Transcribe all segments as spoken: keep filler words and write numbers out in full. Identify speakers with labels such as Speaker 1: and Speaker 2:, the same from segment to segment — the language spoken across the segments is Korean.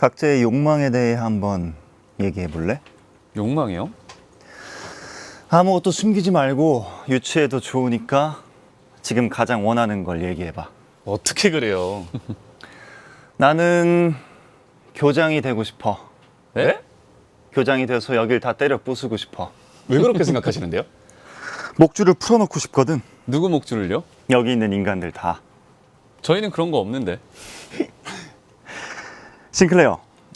Speaker 1: 각자의 욕망에 대해 한번 얘기해 볼래?
Speaker 2: 욕망이요?
Speaker 1: 아무것도 숨기지 말고 유추해도 좋으니까 지금 가장 원하는 걸 얘기해 봐.
Speaker 3: 어떻게 그래요?
Speaker 1: 나는 교장이 되고 싶어.
Speaker 2: 네?
Speaker 1: 교장이 돼서 여길 다 때려 부수고 싶어.
Speaker 3: 왜 그렇게 생각하시는데요?
Speaker 1: 목줄을 풀어놓고 싶거든.
Speaker 2: 누구 목줄을요?
Speaker 1: 여기 있는 인간들 다.
Speaker 2: 저희는 그런 거 없는데.
Speaker 1: 싱클레어,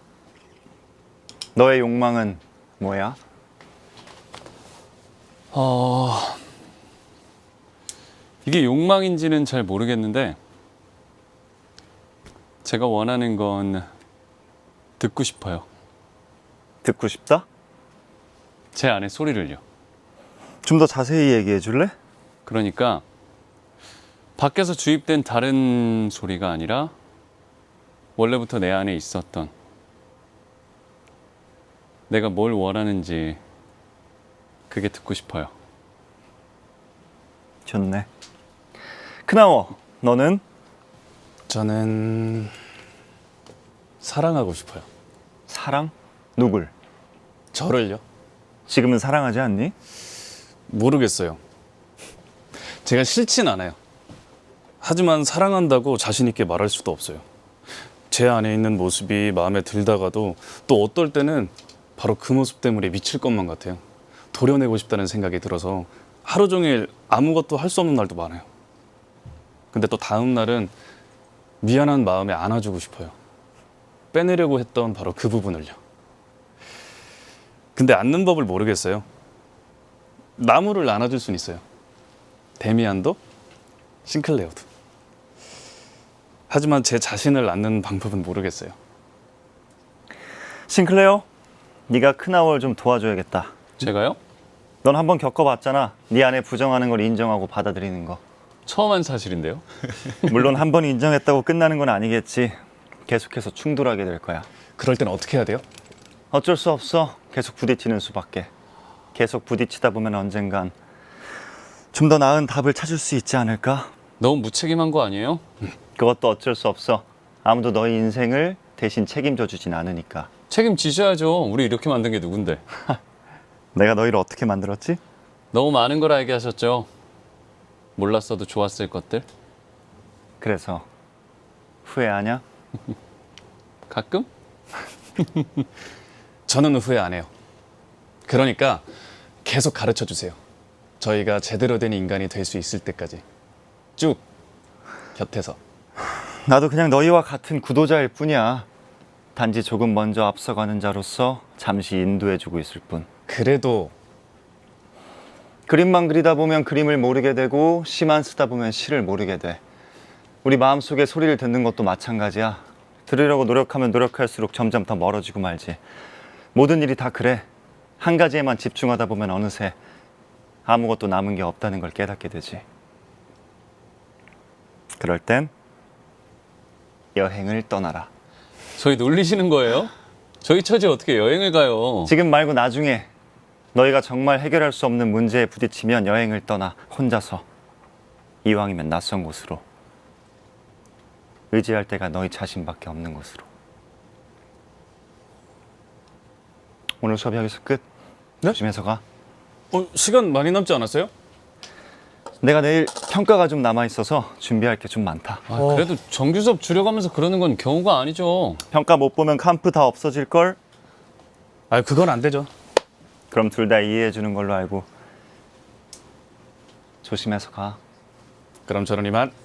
Speaker 1: 너의 욕망은 뭐야?
Speaker 2: 어... 이게 욕망인지는 잘 모르겠는데 제가 원하는 건 듣고 싶어요.
Speaker 1: 듣고 싶다?
Speaker 2: 제 안의 소리를요.
Speaker 1: 좀 더 자세히 얘기해 줄래?
Speaker 2: 그러니까 밖에서 주입된 다른 소리가 아니라 원래부터 내 안에 있었던, 내가 뭘 원하는지 그게 듣고 싶어요.
Speaker 1: 좋네. 크나워, 너는?
Speaker 3: 저는 사랑하고 싶어요.
Speaker 1: 사랑? 누굴?
Speaker 3: 저를요?
Speaker 1: 지금은 사랑하지 않니?
Speaker 3: 모르겠어요. 제가 싫진 않아요. 하지만 사랑한다고 자신 있게 말할 수도 없어요. 제 안에 있는 모습이 마음에 들다가도 또 어떨 때는 바로 그 모습 때문에 미칠 것만 같아요. 도려내고 싶다는 생각이 들어서 하루 종일 아무것도 할 수 없는 날도 많아요. 근데 또 다음 날은 미안한 마음에 안아주고 싶어요. 빼내려고 했던 바로 그 부분을요. 근데 안는 법을 모르겠어요. 나무를 안아줄 수는 있어요. 데미안도, 싱클레어도. 하지만 제 자신을 안는 방법은 모르겠어요.
Speaker 1: 싱클레어, 네가 크나워를 좀 도와줘야겠다.
Speaker 2: 제가요?
Speaker 1: 넌 한번 겪어봤잖아. 네 안에 부정하는 걸 인정하고 받아들이는 거.
Speaker 2: 처음 한 사실인데요.
Speaker 1: 물론 한 번 인정했다고 끝나는 건 아니겠지. 계속해서 충돌하게 될 거야.
Speaker 3: 그럴 땐 어떻게 해야 돼요?
Speaker 1: 어쩔 수 없어. 계속 부딪히는 수밖에. 계속 부딪히다 보면 언젠간 좀 더 나은 답을 찾을 수 있지 않을까?
Speaker 2: 너무 무책임한 거 아니에요?
Speaker 1: 그것도 어쩔 수 없어. 아무도 너의 인생을 대신 책임져 주진 않으니까.
Speaker 2: 책임지셔야죠. 우리 이렇게 만든 게 누군데.
Speaker 1: 내가 너희를 어떻게 만들었지?
Speaker 2: 너무 많은 걸 알게 하셨죠. 몰랐어도 좋았을 것들.
Speaker 1: 그래서 후회하냐?
Speaker 2: 가끔?
Speaker 3: 저는 후회 안 해요. 그러니까 계속 가르쳐 주세요. 저희가 제대로 된 인간이 될 수 있을 때까지 쭉 곁에서.
Speaker 1: 나도 그냥 너희와 같은 구도자일 뿐이야. 단지 조금 먼저 앞서가는 자로서 잠시 인도해주고 있을 뿐.
Speaker 3: 그래도
Speaker 1: 그림만 그리다 보면 그림을 모르게 되고 시만 쓰다 보면 시를 모르게 돼. 우리 마음속에 소리를 듣는 것도 마찬가지야. 들으려고 노력하면 노력할수록 점점 더 멀어지고 말지. 모든 일이 다 그래. 한 가지에만 집중하다 보면 어느새 아무것도 남은 게 없다는 걸 깨닫게 되지. 그럴 땐 여행을 떠나라.
Speaker 2: 저희 놀리시는 거예요? 저희 처지에 어떻게 여행을 가요?
Speaker 1: 지금 말고 나중에 너희가 정말 해결할 수 없는 문제에 부딪히면 여행을 떠나 혼자서, 이왕이면 낯선 곳으로, 의지할 때가 너희 자신밖에 없는 곳으로. 오늘 수업 여기서 끝.
Speaker 3: 네?
Speaker 1: 조심해서 가.
Speaker 3: 어, 시간 많이 남지 않았어요?
Speaker 1: 내가 내일 평가가 좀 남아있어서 준비할 게 좀 많다.
Speaker 2: 아, 그래도 정규 수업 줄여가면서 그러는 건 경우가 아니죠.
Speaker 1: 평가 못 보면 캄프 다 없어질걸?
Speaker 3: 아, 그건 안 되죠.
Speaker 1: 그럼 둘 다 이해해 주는 걸로 알고 조심해서 가.
Speaker 3: 그럼 저는 이만.